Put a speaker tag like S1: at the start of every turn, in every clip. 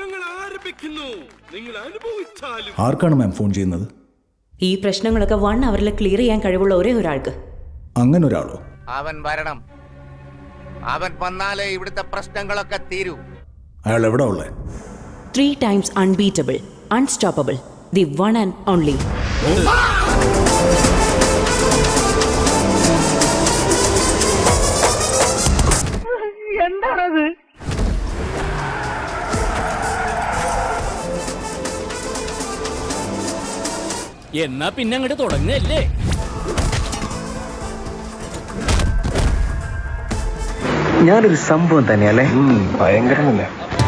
S1: ഞങ്ങൾ ആരംഭിക്കുന്നു. നിങ്ങൾ അനുഭവിച്ചാലും.
S2: ആർക്കാണ് മാം ഫോൺ ചെയ്യുന്നത്?
S3: ഈ പ്രശ്നങ്ങളൊക്കെ 1 അവറിൽ ക്ലിയർ ചെയ്യാൻ കഴിവുള്ള ഒരേ ഒരാൾക്ക്.
S2: അങ്ങനെ ഒരാളോ?
S4: അവൻ വരണം. അവൻ വന്നാലേ ഇവിടുത്തെ പ്രശ്നങ്ങളൊക്കെ തീരൂ.
S2: അയാൾ എവിടെ ഉള്ളേ?
S3: 3 times unbeatable, unstoppable, the one and only.
S5: എന്താണത്?
S6: എന്നാ പിന്നെ അങ്ങോട്ട് തുടങ്ങല്ലേ?
S7: ഞാനൊരു സംഭവം തന്നെയല്ലേ? ഭയങ്കരമല്ലേ?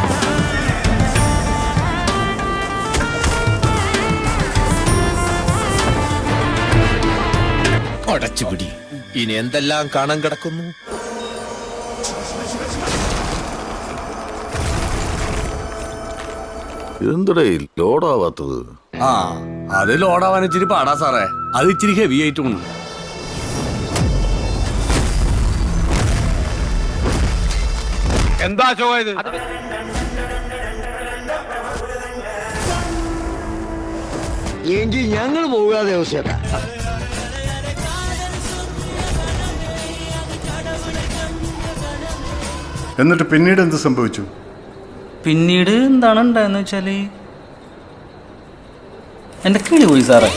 S8: അടച്ചുപിടി. ഇനി എന്തെല്ലാം കാണാൻ കിടക്കുന്നു.
S9: എന്തടേ ലോഡാവാത്തത്?
S10: അത് ലോഡാവാൻ ഇച്ചിരി പാടാ സാറേ. അത് ഇച്ചിരി ഹെവി ആയിട്ടും.
S4: എന്താ ചോയത്?
S7: എങ്കിൽ ഞങ്ങൾ പോകാതെ അവസ്ഥ.
S11: എന്നിട്ട് പിന്നീട് എന്ത് സംഭവിച്ചു?
S6: പിന്നീട് എന്താണ് ഉണ്ടായെന്ന് വെച്ചാല് എന്റെ കിളി പോയി സാറേ.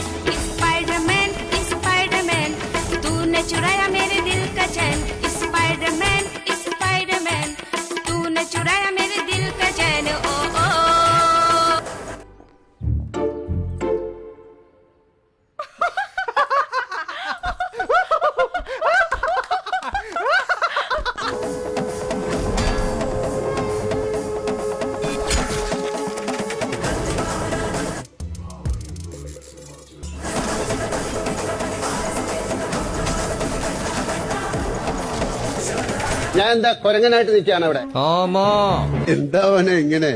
S7: ഞാൻ എന്താ കൊരങ്ങനായിട്ട് നിൽക്കാണ് അവിടെ? എന്താ അവനെ ഇങ്ങനെ?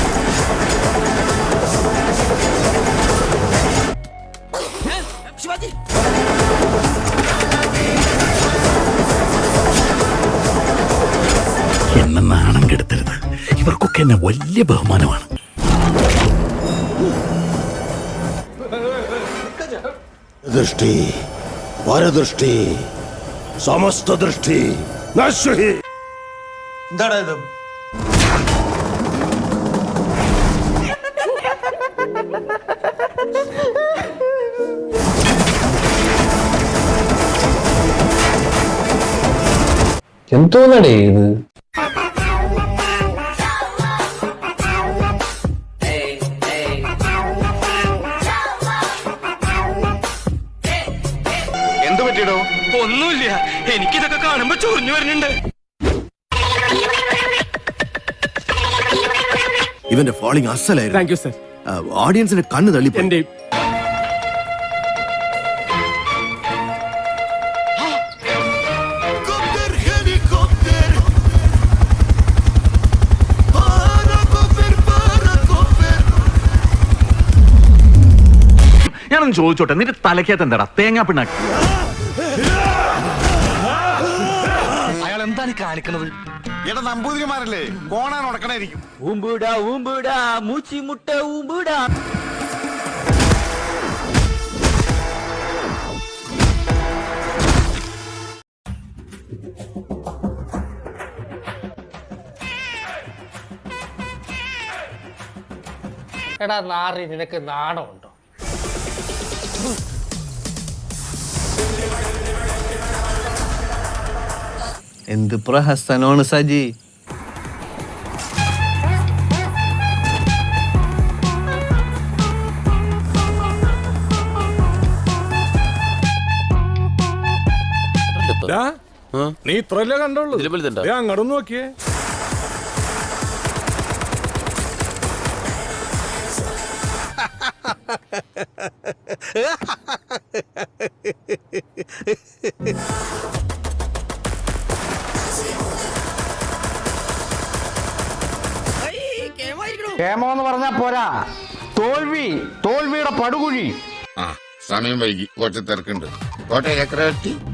S10: എന്നെ നാണം കെടുത്തരുത്. ഇവർക്കൊക്കെ എന്നെ വലിയ ബഹുമാനമാണ്.
S9: ദൃഷ്ടി, പരദൃഷ്ടി, സമസ്ത ദൃഷ്ടി നശ്വഹി.
S10: എന്താടാ ഇത്?
S7: എന്തോന്നടേ ഇത്?
S4: എന്ത് പറ്റിയിടോ?
S6: ഒന്നുമില്ല, എനിക്കിതൊക്കെ കാണുമ്പോ ചൊറിഞ്ഞു വരുന്നുണ്ട്.
S8: ഇവന്റെ ഫോളിംഗ് അസലായിരുന്നു.
S6: Thank you sir.
S8: ഓഡിയൻസിന്റെ കണ്ണ് തള്ളി.
S6: എന്റെ
S10: ഞാനൊന്ന് ചോദിച്ചോട്ടെ, നിന്റെ തലക്കകത്ത് എന്താടാ തേങ്ങാ പിണ്ണാക്കി?
S4: അയാൾ എന്താണ് കാണിക്കുന്നത്?
S10: എടാ നമ്പൂതിരിമാരല്ലേ, കോണാൻ ഉടക്കണായിരിക്കും.
S6: ഊമ്പുടാ ഊമ്പുടാ മൂച്ചി മുട്ട ഊമ്പുടാ.
S5: എടാ നാറി, നിനക്ക് നാണമുണ്ടോ?
S7: എന്ത് പ്രഹസനമാണ് സജി.
S1: നീ ഇത്രല്ലേ കണ്ടുള്ളൂ? അങ്ങോട്ട് നോക്കിയേ.
S7: കേമോ എന്ന് പറഞ്ഞാ പോരാ, തോൽവി, തോൽവിയുടെ പടുകുഴി.
S9: സമയം വൈകി, കുറച്ച് തിരക്കുണ്ട്. കോട്ടയം ചക്രവർത്തി